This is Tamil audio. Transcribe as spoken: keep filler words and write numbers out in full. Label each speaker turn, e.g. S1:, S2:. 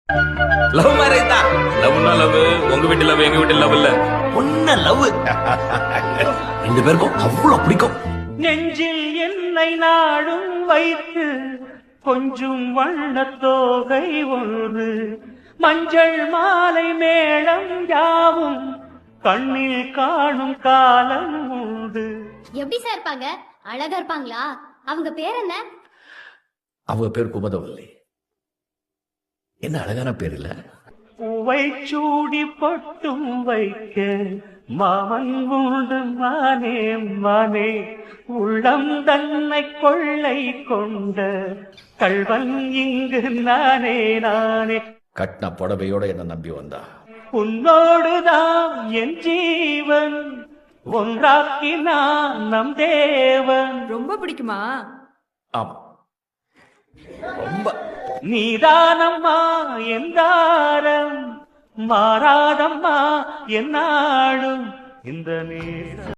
S1: லவ் மேரேஜ் தான். லவ்னா லவ், உங்க வீட்டு லவ் எங்க வீட்டு லவ் இல்ல, பொண்ண லவ். ரெண்டு பேருக்கும் அவ்வளவு பிடிக்கும்.
S2: நெஞ்சில் என்னை நாடும் வைத்து கொஞ்சம் வண்ணத்தோகை ஒன்று, மஞ்சள் மாலை மேளம் யாவும் கண்ணில் காணும் காலம் உண்டு.
S3: எப்படி சார் இருப்பாங்க? அழகா இருப்பாங்களா? அவங்க பேர் என்ன?
S4: அவங்க பேர் குமுதவல்லி. என்ன அழகான பேர் இல்ல?
S2: பூவை சூடி பொட்டும் வைக்க மாமன் உண்டு மானே மானே, உள்ளம் தன்னை கொள்ளை கொண்ட கள்வன் இங்கு நானே நானே.
S4: கட்டின புடவையோட என்ன நம்பி வந்தா.
S2: உன்னோடுதான் என் ஜீவன், ஒன்றாக்கினான் நம் தேவன்.
S5: ரொம்ப பிடிக்குமா?
S4: ஆமா, ரொம்ப.
S2: நீதானம்மா என் தாரம், மாறாதம்மா என்னாடும் இந்த நேரம்.